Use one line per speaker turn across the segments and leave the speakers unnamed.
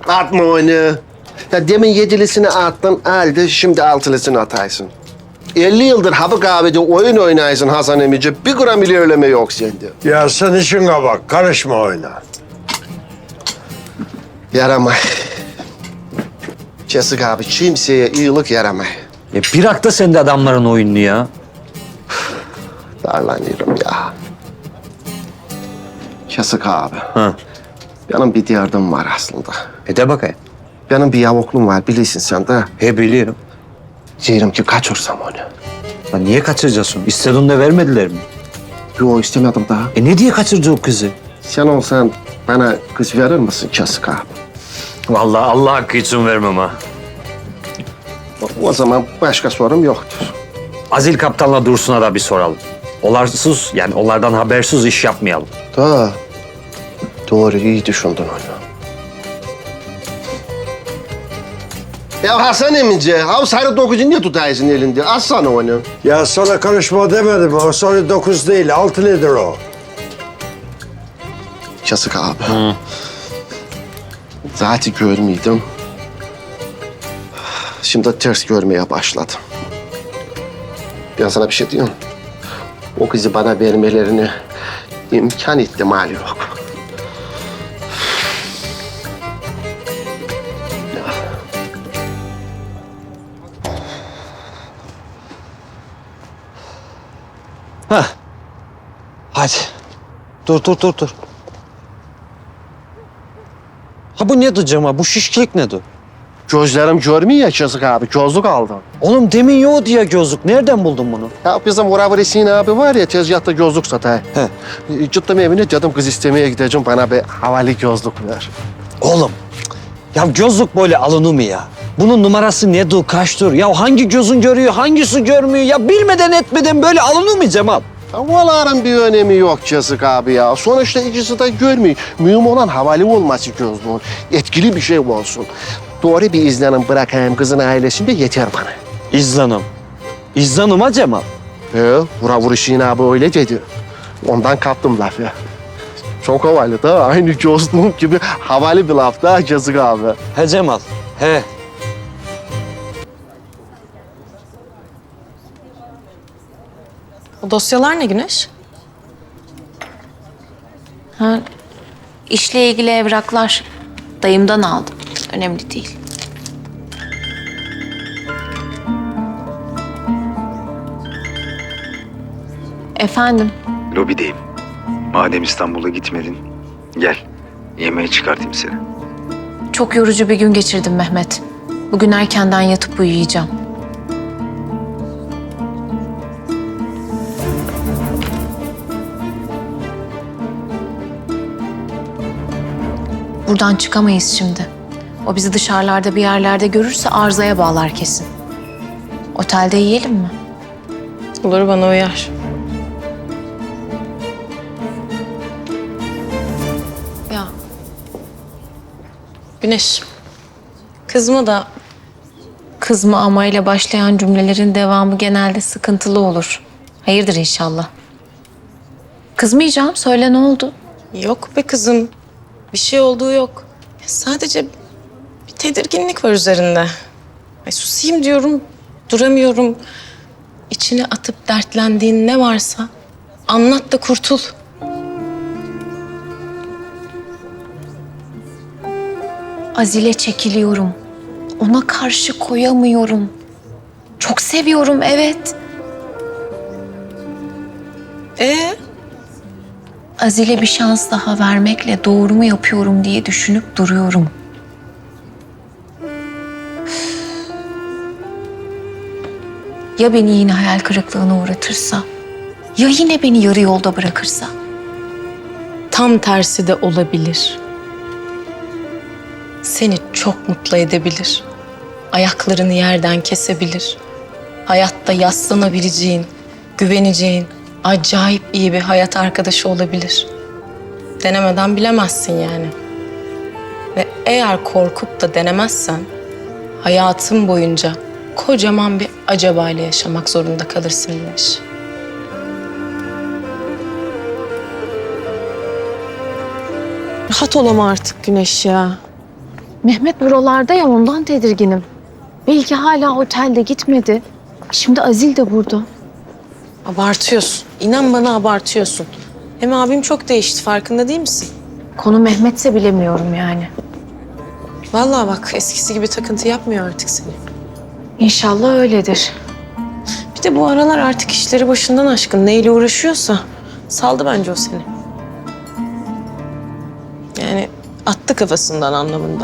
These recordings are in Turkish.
Atma onu. Ya demin yedilisini attın, aldı, şimdi altılısını ataysın. 50 yıldır Hapı Kahve'de oyun oynaysın Hasan emici. Bir gram ilerleme yok sende.
Ya sen işine bak, karışma oyna.
Yaramay. Kesik abi, kimseye iyilik yaramay.
Bırak da sen de adamların oyununu ya.
Darlanıyorum ya. Kesik abi.
Ha.
Benim bir derdim var aslında.
De bakayım.
Benim bir yavuklum var, bilirsin sen de.
Biliyorum.
Diyorum ki kaçırsam onu.
Ya niye kaçıracaksın? İstediğinde vermediler mi?
Yok istemedim daha.
Ne diye kaçırdı o kızı?
Sen olsan bana kız verir misin Kesik abi?
Vallahi Allah hakkı için vermem ha.
O zaman başka sorum yoktur.
Azil Kaptan'la Dursun'a da bir soralım. Onlardan habersiz iş yapmayalım.
Doğru, iyi düşündün onu. Ya Hasan emici, ha sarı dokuzu niye tutaysın elinde? Alsana onu.
Ya sana karışma demedim. O sonra 9 değil, 6 nedir o?
Kesik abi. Zaten görmeydim. Şimdi ters görmeye başladım. Ben sana bir şey diyorum. O kızı bana vermelerini imkan ihtimali yok.
Hadi. Dur. Ha bu nedir Cemal? Bu şişkilik nedir?
Gözlerim görmüyor ya Kesik abi, gözlük aldım.
Oğlum demin yok diye gözlük. Nereden buldun bunu?
Ya bizim Uğrav Resin abi var ya, tezgahta gözlük satar.
He.
Gittim evine, dedim kız istemeye gideceğim, bana bir havalı gözlük ver.
Oğlum, ya gözlük böyle alınır mı ya? Bunun numarası nedir, kaçtır? Ya hangi gözün görüyor, hangisi görmüyor? Ya bilmeden etmeden böyle alınır mı Cemal?
Ya onların bir önemi yok Kesik abi ya. Sonuçta ikisi de görmüyor. Mühim olan havalı olması gözlüğün. Etkili bir şey olsun. Doğru bir izlenim bırakayım kızın ailesinde yeter bana.
İzlanım. İzlanım ha Cemal.
Uğrav Resin abi öyle dedi. Ondan kaptım lafı. Çok havalı da, aynı gözlüğüm gibi havalı bir laf da Kesik abi.
He Cemal, he.
O dosyalar ne Güneş?
Ha, işle ilgili evraklar. Dayımdan aldım. Önemli değil. Efendim?
Lobideyim. Madem İstanbul'a gitmedin, gel. Yemeğe çıkartayım seni.
Çok yorucu bir gün geçirdim Mehmet. Bugün erkenden yatıp uyuyacağım. Buradan çıkamayız şimdi. O bizi dışarılarda bir yerlerde görürse arızaya bağlar kesin. Otelde yiyelim mi?
Olur, bana uyar. Ya. Güneş. Kızma da
Kızma ama ile başlayan cümlelerin devamı genelde sıkıntılı olur. Hayırdır inşallah. Kızmayacağım. Söyle ne oldu?
yok be kızım. Bir şey olduğu yok. Sadece bir tedirginlik var üzerinde. Ay susayım diyorum, duramıyorum. İçine atıp dertlendiğin ne varsa anlat da kurtul.
Azile çekiliyorum. Ona karşı koyamıyorum. Çok seviyorum, evet. Azile bir şans daha vermekle doğru mu yapıyorum diye düşünüp duruyorum. Ya beni yine hayal kırıklığına uğratırsa? Ya yine beni yarı yolda bırakırsa?
Tam tersi de olabilir. Seni çok mutlu edebilir. Ayaklarını yerden kesebilir. Hayatta yaslanabileceğin, güveneceğin, acayip iyi bir hayat arkadaşı olabilir. Denemeden bilemezsin yani. Ve eğer korkup da denemezsen hayatın boyunca kocaman bir acaba ile yaşamak zorunda kalırsın Güneş. Rahat ol ama artık Güneş ya.
Mehmet buralarda ya ondan tedirginim. Belki hala otelde gitmedi. Şimdi Azil de burada.
Abartıyorsun. İnan bana abartıyorsun. Hem abim çok değişti, farkında değil misin?
Konu Mehmetse bilemiyorum yani.
Vallahi bak, eskisi gibi takıntı yapmıyor artık seni.
İnşallah öyledir.
Bir de bu aralar artık işleri başından aşkın. Neyle uğraşıyorsa saldı bence o seni. Yani attı kafasından anlamında.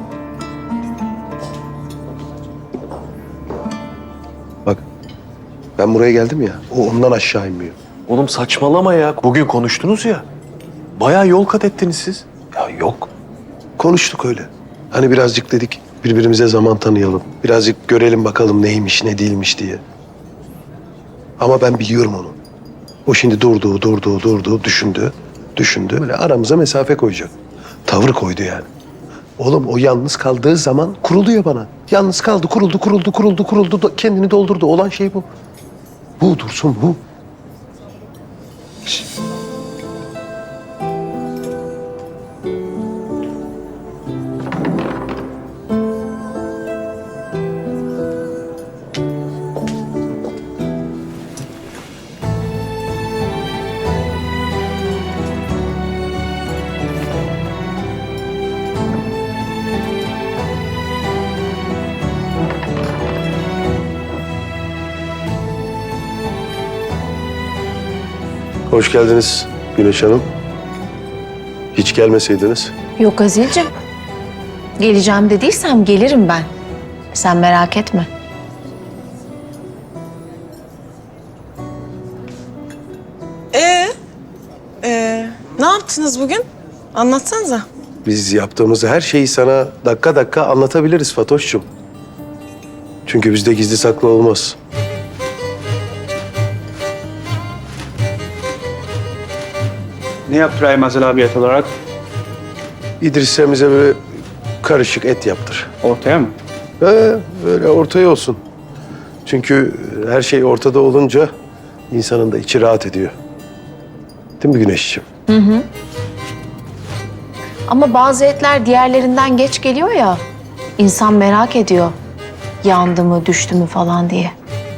Bak ben buraya geldim ya, o ondan aşağı inmiyor.
Oğlum saçmalama ya. Bugün konuştunuz ya. Bayağı yol kat ettiniz siz.
Ya yok. Konuştuk öyle. Hani birazcık dedik birbirimize zaman tanıyalım. Birazcık görelim bakalım neymiş ne değilmiş diye. Ama ben biliyorum onu. O şimdi durdu, düşündü. Böyle aramıza mesafe koyacak. Tavır koydu yani. Oğlum o yalnız kaldığı zaman kuruluyor bana. Yalnız kaldı, kuruldu. Kendini doldurdu. Olan şey bu. Bu Dursun, bu. Hoş geldiniz Güneş Hanım. Hiç gelmeseydiniz.
Yok Azil'cim. Geleceğim dediysem gelirim ben. Sen merak etme.
Ne yaptınız bugün? Anlatsanıza.
Biz yaptığımız her şeyi sana dakika dakika anlatabiliriz Fatoş'cum. Çünkü bizde gizli saklı olmaz.
Ne yaptı Rahim Azel abi et olarak?
İdris'e bize böyle karışık et yaptır.
Ortaya mı?
Böyle ortaya olsun. Çünkü her şey ortada olunca insanın da içi rahat ediyor. Değil mi Güneşciğim?
Ama bazı etler diğerlerinden geç geliyor ya. İnsan merak ediyor. Yandı mı, düştü mü falan diye.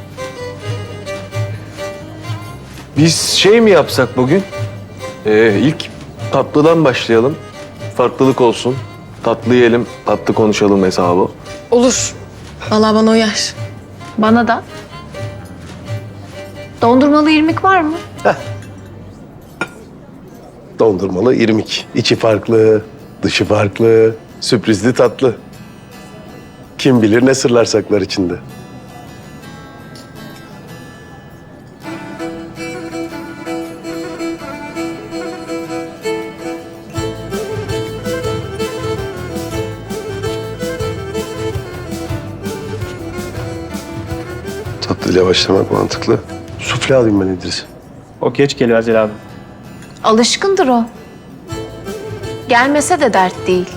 Biz şey mi yapsak bugün? İlk tatlıdan başlayalım. Farklılık olsun. Tatlı yiyelim, tatlı konuşalım hesabı.
Olur. Vallahi bana uyar.
Bana da. Dondurmalı irmik var mı?
Dondurmalı irmik. İçi farklı, dışı farklı, sürprizli tatlı. Kim bilir ne sırlar saklar içinde. Tatlıyla başlamak mantıklı. Sufle alayım ben İdris.
O geç geliyor Azel abi.
Alışkındır o. Gelmese de dert değil.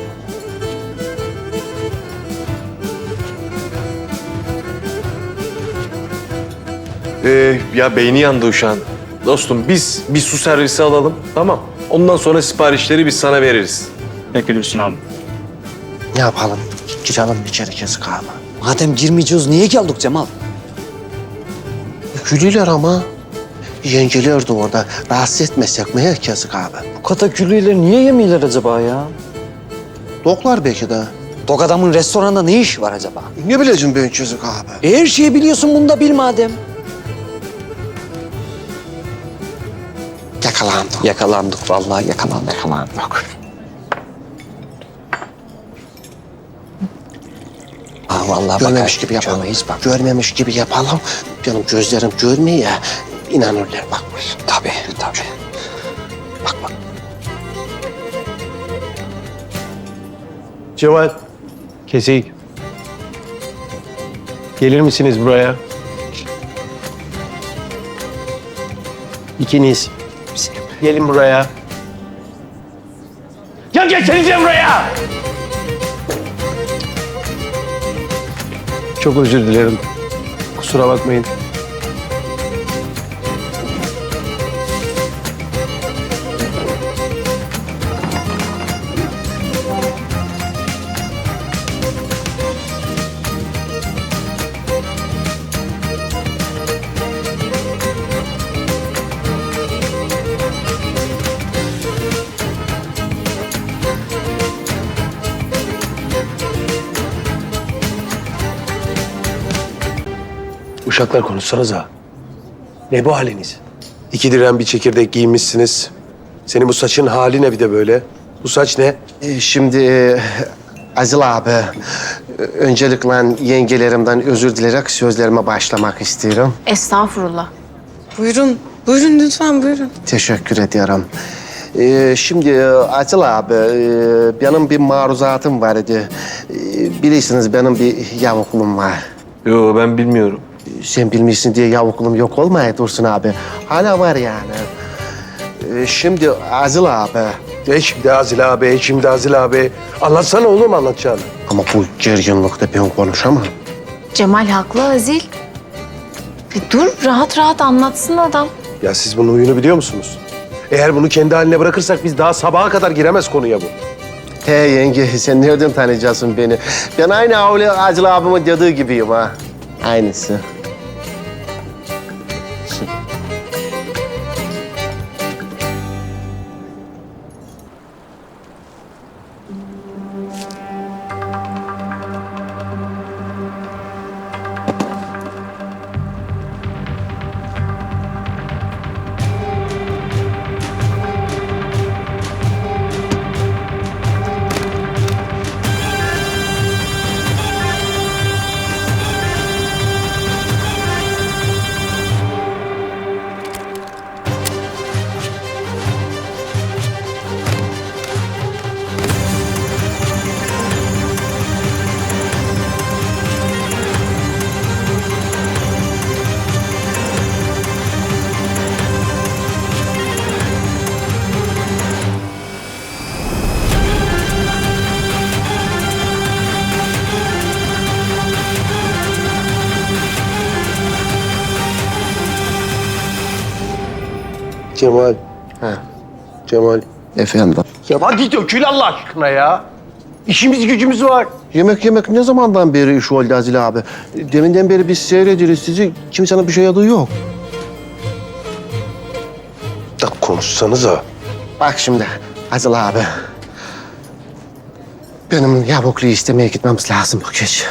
Ya beyni yandı uşağın. Dostum biz bir su servisi alalım, tamam. Ondan sonra siparişleri biz sana veririz.
Peki Dursun abi.
Ne yapalım? Girelim içeri yazık abi.
Madem girmeyeceğiz niye geldik Cemal?
Gülüyorlar ama. Yengeler de orada. Rahatsız etmesek mi yazık abi?
Bu kataküllüyle niye yemiyorlar acaba ya?
Doklar belki de.
Dok adamın restoranda ne işi var acaba?
Ne bileceğim ben yazık abi?
Her şeyi biliyorsun, bunu da bil madem.
Yakalandık.
Yakalandık vallahi yakalandık.
Yakalandık.
Ha vallahi
Görmemiş
bakar.
gibi yapalım.
Görmeyiz bak.
Görmemiş gibi yapalım. Benim gözlerim görmüyor ya. İnanırlar bak.
Tabii.
Bak.
Cemal, Kesik. Gelir misiniz buraya? İkiniz. Gelin buraya.
Ya geçsenize buraya!
Çok özür dilerim. Kusura bakmayın. Uşaklar konuşsanıza. Ne bu haliniz? 2 dirhem bir çekirdek giymişsiniz. Senin bu saçın hali ne bir de böyle? Bu saç ne?
Şimdi Azil abi, öncelikle yengelerimden özür dilerek sözlerime başlamak istiyorum.
Estağfurullah.
Buyurun, buyurun lütfen buyurun.
Teşekkür ederim. Şimdi Azil abi, benim bir maruzatım var idi. Bilirsiniz benim bir yavuklum var.
Yo ben bilmiyorum.
Sen bilmişsin diye yavuklum yok olmaya Dursun abi. Hala var yani. Şimdi Azil abi,
Şimdi Azil abi, şimdi Azil abi. Anlatsana oğlum anlatacağını.
ama bu gerginlikte ben konuşamam.
Cemal haklı Azil. Dur rahat rahat anlatsın adam.
Ya siz bunun huyunu biliyor musunuz? Eğer bunu kendi haline bırakırsak biz daha sabaha kadar giremez konuya bu.
He yenge, sen nereden tanıyacaksın beni? Ben aynı öyle Azil abimin dediği gibiyim ha. Aynısı.
Cemal.
Ha.
Cemal.
Efendim?
Ya hadi dökül Allah aşkına ya. İşimiz gücümüz var.
Yemek ne zamandan beri iş oldu Azil abi? Deminden beri biz seyrediyoruz sizi. Kimsenin bir şey adı yok.
Da konuşsanıza.
Bak şimdi Azil abi. Benim yavukluğu istemeye gitmemiz lazım bu gece.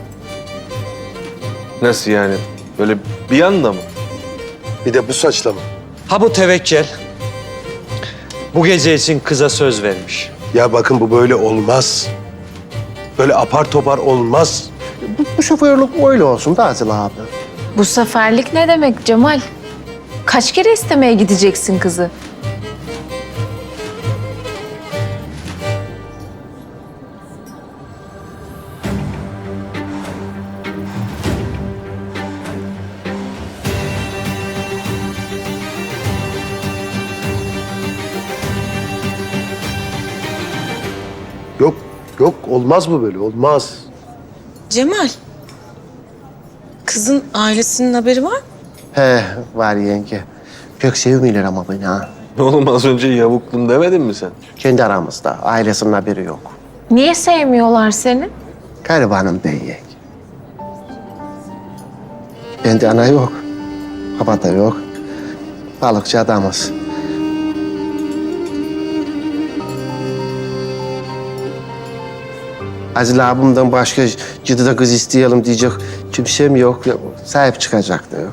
Nasıl yani? Böyle bir anda mı?
Bir de bu saçla mı?
Ha bu tevekkül. Bu gece için kıza söz vermiş.
Ya bakın bu böyle olmaz. Böyle apar topar olmaz.
Bu şoförlük öyle olsun da Azil abi.
Bu seferlik ne demek Cemal? Kaç kere istemeye gideceksin kızı?
Yok olmaz bu böyle olmaz.
Cemal, kızın ailesinin haberi var mı?
He var yenge. Pek sevmiyorlar ama beni ha.
Oğlum az önce yavuklum demedin mi sen?
Kendi aramızda. Ailesinin haberi yok.
Niye sevmiyorlar seni?
Garibanım ben yenge. Bende ana yok. Baba da yok. Balıkçı adamız. Azil abimden başka ciddi kız isteyelim diyecek kimsem yok. Sahip çıkacak da yok.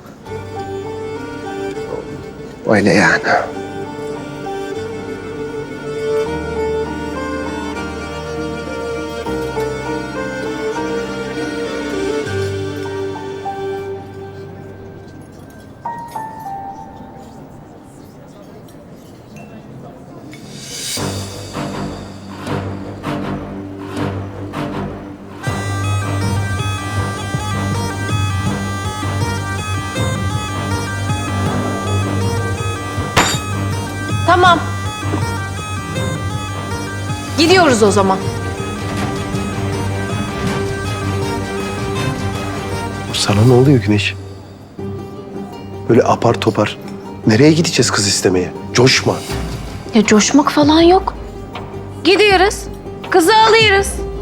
Öyle yani.
Tamam. Gidiyoruz o zaman.
Sana ne oluyor Güneş? Böyle apar topar. Nereye gideceğiz kız istemeye? Coşma.
Ya coşmak falan yok. Gidiyoruz. Kızı alıyoruz.